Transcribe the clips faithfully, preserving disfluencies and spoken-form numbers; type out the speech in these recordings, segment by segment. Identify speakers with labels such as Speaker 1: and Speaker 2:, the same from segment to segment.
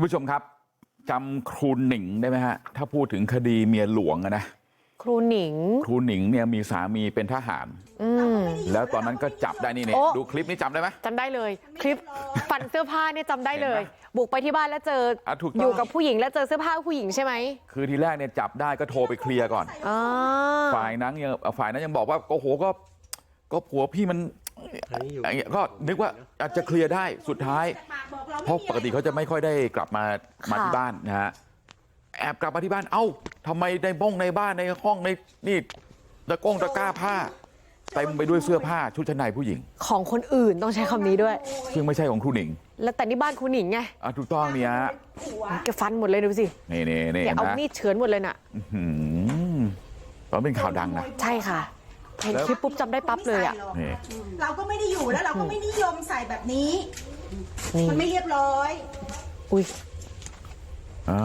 Speaker 1: านผู้ชมครับจำครูหนิงได้ไหมฮะถ้าพูดถึงคดีเมียหลวงอะนะ
Speaker 2: ครูหนิง
Speaker 1: ครูหนิงเนี่ยมีสามีเป็นทหารแล้วตอนนั้นก็จับได้นี่เนี่ยดูคลิปนี้จำได้ไหม
Speaker 2: จำได้เลยคลิปฟันเสื้อผ้าเนี่ยจำได้เลยบุกไปที่บ้านแล้วเจออ
Speaker 1: ถูก
Speaker 2: อยู่กับผู้หญิงแล้วเจอเสื้อผ้าผู้หญิงใช่ไหม
Speaker 1: คือทีแรกเนี่ยจับได้ก็โทรไปเคลียร์ก่อนฝ่ายนั้นยังฝ่ายนั้นยังบอกว่าโอ้โหก็ก็ผัวพี่มันก็นึกว่าอาจจะเคลียร์ได้สุดท้ายเพราะปกติเขาจะไม่ค่อยได้กลับมามาที่บ้านนะฮะแอบกลับมาที่บ้านเอ้าทำไมในบ้องในบ้านในห้องในนี่ตะก้งตะกร้าผ้าเต็มไปด้วยเสื้อผ้าชุดชั้นในผู้หญิง
Speaker 2: ของคนอื่นต้องใช้คำนี้ด้วย
Speaker 1: ซึ่งไม่ใช่ของครูหนิง
Speaker 2: แล้วแต่นี่บ้านครูหนิงไง
Speaker 1: อ่ะถูกต้องเนี่ย
Speaker 2: แกฟันหมดเลยดูสิ
Speaker 1: นี่นี่นี่
Speaker 2: เอามีดเฉือนหมดเลยน่ะ
Speaker 1: ตอนเป็นข่าวดังนะ
Speaker 2: ใช่ค่ะเห็นคลิปปุ๊บจำได้ปั๊บเลยอ่ะ
Speaker 3: เราก็ไม่ได้อยู่แล้วเราก็ไม่นิยมใส่แบบนี้มันไม่เรียบร้อย
Speaker 2: อุ้ย
Speaker 1: อ่า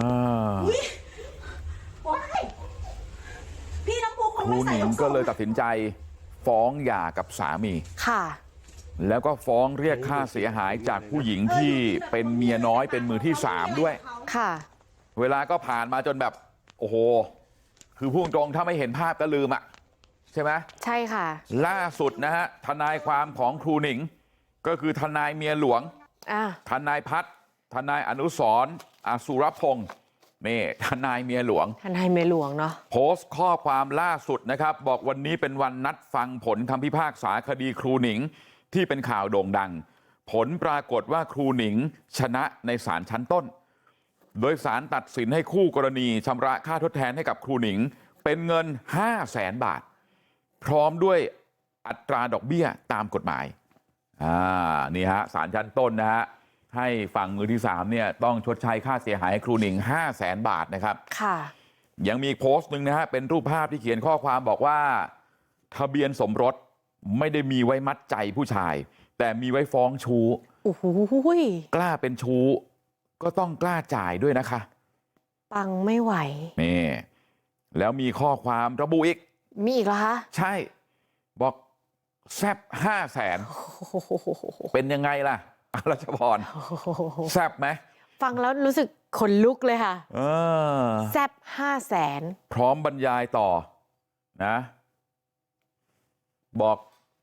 Speaker 3: พี่น้องปูคง
Speaker 1: ครูหนิงก็เลยตัดสินใจฟ้องหย่ากับสามี
Speaker 2: ค่ะ
Speaker 1: แล้วก็ฟ้องเรียกค่าเสียหายจากผู้หญิงที่เป็นเมียน้อยเป็นมือที่สามด้วย
Speaker 2: ค่ะ
Speaker 1: เวลาก็ผ่านมาจนแบบโอ้โหคือพูดตรงถ้าไม่เห็นภาพก็ลืมอ่ะใช่ไหม
Speaker 2: ใช่ค่ะ
Speaker 1: ล่าสุดนะฮะทนายความของครูหนิงก็คือทนายเมียหลวงทนายพัฒน์ทนายอนุสรณ์อสุรพงศ์นี่ทนายเมียหลวง
Speaker 2: ทนายเมียหลวงเนาะ
Speaker 1: โพสต์ข้อความล่าสุดนะครับบอกวันนี้เป็นวันนัดฟังผลคำพิพากษาคดีครูหนิงที่เป็นข่าวโด่งดังผลปรากฏว่าครูหนิงชนะในศาลชั้นต้นโดยศาลตัดสินให้คู่กรณีชำระค่าทดแทนให้กับครูหนิงเป็นเงิน ห้าแสน บาทพร้อมด้วยอัตราดอกเบี้ยตามกฎหมายอ่านี่ฮะศาลชั้นต้นนะฮะให้ฝั่งมือที่สามเนี่ยต้องชดใช้ค่าเสียหายให้ครูหนิง ห้าแสน บาทนะครับ
Speaker 2: ค่ะ
Speaker 1: ยังมีอีกโพสต์หนึ่งนะฮะเป็นรูปภาพที่เขียนข้อความบอกว่าทะเบียนสมรสไม่ได้มีไว้มัดใจผู้ชายแต่มีไว้ฟ้องชู้
Speaker 2: โอ้โห
Speaker 1: กล้าเป็นชู้ก็ต้องกล้าจ่ายด้วยนะคะ
Speaker 2: ปังไม่ไหว
Speaker 1: นี่แล้วมีข้อความระบุอีก
Speaker 2: มีอีกเหรอคะ
Speaker 1: ใช่บอกแซบห้าแสนเป็นยังไงล่ะรัชพรแซบไหม
Speaker 2: ฟังแล้วรู้สึกขนลุกเลยค่ะแซบห้าแสน
Speaker 1: พร้อมบรรยายต่อนะบอก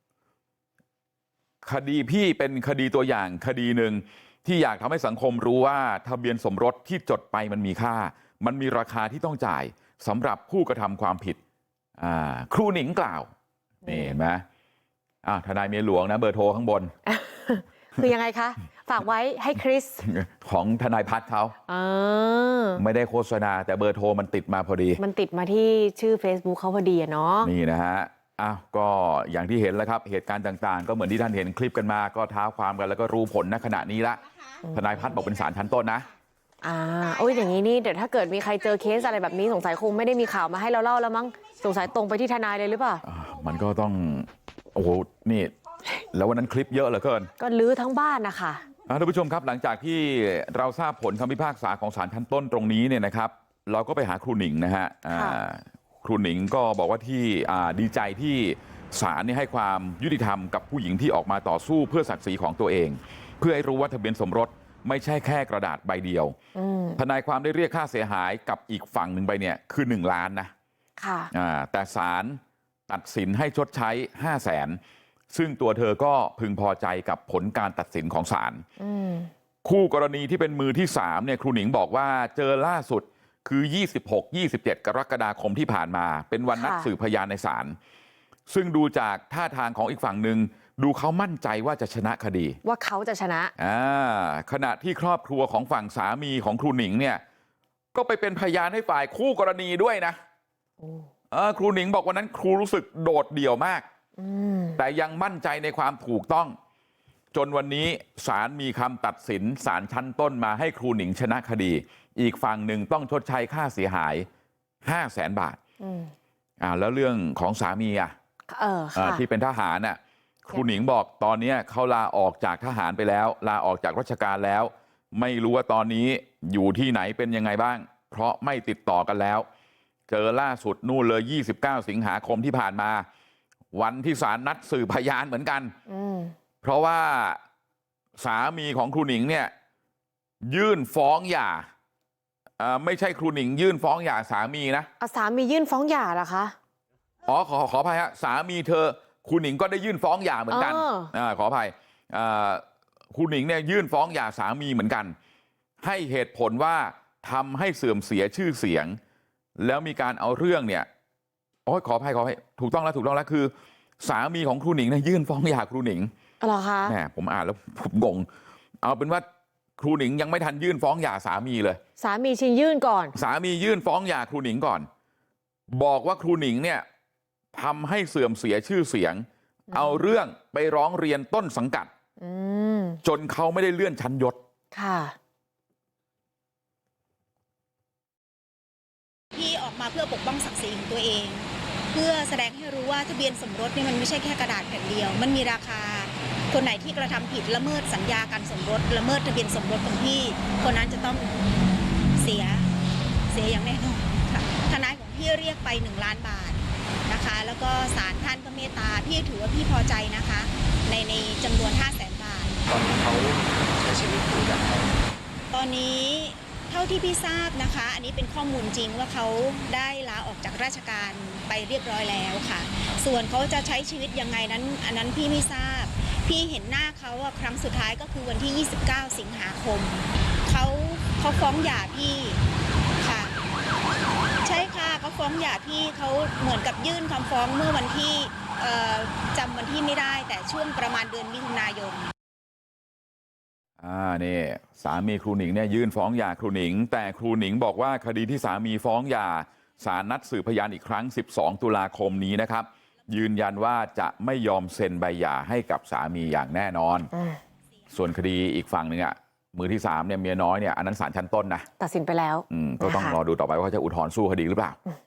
Speaker 1: คดีพี่เป็นคดีตัวอย่างคดีหนึ่งที่อยากทำให้สังคมรู้ว่าทะเบียนสมรสที่จดไปมันมีค่ามันมีราคาที่ต้องจ่ายสำหรับผู้กระทำความผิดครูหนิงกล่าวนี่เห็นไหมอ่าทนายเมียหลวงนะเบอร์โทรข้างบน
Speaker 2: คือยังไงคะฝากไว้ให้คริส
Speaker 1: ของทนายพัฒน์เขาไม่ได้โฆษณาแต่เบอร์โทรมันติดมาพอดี
Speaker 2: มันติดมาที่ชื่อ Facebook เขาพอดีอะเนาะ
Speaker 1: นี่นะฮะอ้าวก็อย่างที่เห็นแล้วครับเหตุการณ์ต่างๆก็เหมือนที่ท่านเห็นคลิปกันมาก็ท้าความกันแล้วก็รู้ผลณขณะนี้ละทนายพัฒน์บอกเป็นศาลชั้นต้นนะ
Speaker 2: อ่าโอ้ยอย่างนี้นี่เดี๋ยวถ้าเกิดมีใครเจอเคสอะไรแบบนี้สงสัยคงไม่ได้มีข่าวมาให้เราเล่าแล้วมั้งสงสัยตรงไปที่ทนายเลยหรือเปล่า
Speaker 1: มันก็ต้องโอ้โหนี่แล้ววันนั้นคลิปเยอะเหลือเกิน
Speaker 2: ก็ลื้อทั้งบ้านนะคะ
Speaker 1: ท่านผู้ชมครับหลังจากที่เราทราบผลคำพิพากษาของศาลชั้นต้นตรงนี้เนี่ยนะครับเราก็ไปหาครูหนิงนะฮะครูหนิงก็บอกว่าที่ดีใจที่ศาลนี่ให้ความยุติธรรมกับผู้หญิงที่ออกมาต่อสู้เพื่อศักดิ์ศรีของตัวเองเพื่อให้รู้ว่าทะเบียนสมรสไม่ใช่แค่กระดาษใบเดียวทนายความได้เรียกค่าเสียหายกับอีกฝั่งหนึ่งไปเนี่ยคือหนึ่งล้านนะ
Speaker 2: ค่ะ
Speaker 1: แต่ศาลตัดสินให้ชดใช้ห้าแสนซึ่งตัวเธอก็พึงพอใจกับผลการตัดสินของศาลคู่กรณีที่เป็นมือที่สามเนี่ยครูหนิงบอกว่าเจอล่าสุดคือยี่สิบหก ยี่สิบเจ็ด กรกฎาคมที่ผ่านมาเป็นวันนัดสืบพยานในศาลซึ่งดูจากท่าทางของอีกฝั่งหนึ่งดูเขามั่นใจว่าจะชนะคดี
Speaker 2: ว่าเขาจะชนะ
Speaker 1: อ่าขณะที่ครอบครัวของฝั่งสามีของครูหนิงเนี่ยก็ไปเป็นพยานให้ฝ่ายคู่กรณีด้วยนะครูหนิงบอกวันนั้นครูรู้สึกโดดเดี่ยวมากแต่ยังมั่นใจในความถูกต้องจนวันนี้ศาลมีคำตัดสินศาลชั้นต้นมาให้ครูหนิงชนะคดีอีกฝั่งหนึ่งต้องชดใช้ค่าเสียหายห้าแสนบาทอ่าแล้วเรื่องของสามีอ่ะที่เป็นทหารน่ะครูหนิงบอกตอนนี้เขาลาออกจากทหารไปแล้วลาออกจากราชการแล้วไม่รู้ว่าตอนนี้อยู่ที่ไหนเป็นยังไงบ้างเพราะไม่ติดต่อกันแล้วเจอล่าสุดนู่นเลยยี่สิบเก้าสิงหาคมที่ผ่านมาวันที่ศาลนัดสืบพยานเหมือนกันเพราะว่าสามีของครูหนิงเนี่ยยื่นฟ้องหย่าอ่าไม่ใช่ครูหนิงยื่นฟ้องหย่าสามีนะ
Speaker 2: อ่ะสามียื่นฟ้องหย่าเหรอคะ
Speaker 1: อ๋อขอขออภัยฮะสามีเธอครูหนิงก็ได้ยื่นฟ้องหย่าเหมือนกันอ่าขออภัยอ่าครูหนิงเนี่ยยื่นฟ้องหย่าสามีเหมือนกันให้เหตุผลว่าทำให้เสื่อมเสียชื่อเสียงแล้วมีการเอาเรื่องเนี่ยโอ้ยขออภัยขออภัยถูกต้องแล้วถูกต้องแล้วคือสามีของครูหนิงเนี่ยยื่นฟ้องหย่าครูหนิง
Speaker 2: เหรอคะ
Speaker 1: แหมผมอ่านแล้วผมงงเอาเป็นว่าครูหนิงยังไม่ทันยื่นฟ้องหย่าสามีเลย
Speaker 2: สามีชิงยื่นก่อน
Speaker 1: สามียื่นฟ้องหย่าครูหนิงก่อนบอกว่าครูหนิงเนี่ยทำให้เสื่อมเสียชื่อเสียงเอาเรื่องไปร้องเรียนต้นสังกัดจนเขาไม่ได้เลื่อนชั้นยศ
Speaker 2: ค่ะ
Speaker 3: พี่ออกมาเพื่อปกป้องศักดิ์ศรีของตัวเองเพื่อแสดงให้รู้ว่าทะเบียนสมรสเนี่ยมันไม่ใช่แค่กระดาษแผ่นเดียวมันมีราคาคนไหนที่กระทำผิดละเมิดสัญญาการสมรสละเมิดทะเบียนสมรสของพี่คนนั้นจะต้องเสียเสียอย่างแน่นอนค่ะทนายของพี่เรียกไปหนึ่งล้านบาทนะคะแล้วก็ศาลท่านก็เมตตาพี่ถือว่าพี่พอใจนะคะในในจำนวนห้าแสนบาท
Speaker 4: ตอนนี้เขาใช้ชีวิตอยู่อย่างไร
Speaker 3: ตอนนี้เท่าที่พี่ทราบนะคะอันนี้เป็นข้อมูลจริงว่าเขาได้ลาออกจากราชการไปเรียบร้อยแล้วค่ะส่วนเขาจะใช้ชีวิตยังไงนั้นอันนั้นพี่ไม่ทราบพี่เห็นหน้าเขาครั้งสุดท้ายก็คือวันที่ยี่สิบเก้าสิงหาคมเขาเขาฟ้องหย่าพี่ค่ะใช่ค่ะเขาฟ้องหย่าพี่เขาเหมือนกับยื่นคำฟ้องเมื่อวันที่จำวันที่ไม่ได้แต่ช่วงประมาณเดือนมิถุนายน
Speaker 1: อ่านี่สามีครูหนิงเนี่ยยื่นฟ้องหย่าครูหนิงแต่ครูหนิงบอกว่าคดีที่สามีฟ้องหย่าศาลนัดสืบพยานอีกครั้งสิบสองตุลาคมนี้นะครับยืนยันว่าจะไม่ยอมเซ็นใบหย่าให้กับสามีอย่างแน่นอนส่วนคดีอีกฝั่งหนึ่งอ่ะมือที่สามเนี่ยเมียน้อยเนี่ยอันนั้นศาลชั้นต้นนะ
Speaker 2: ตัดสินไปแล้ว
Speaker 1: อืมก็ต้องรอดูต่อไปว่าจะอุทธรณ์สู้คดีหรือเปล่า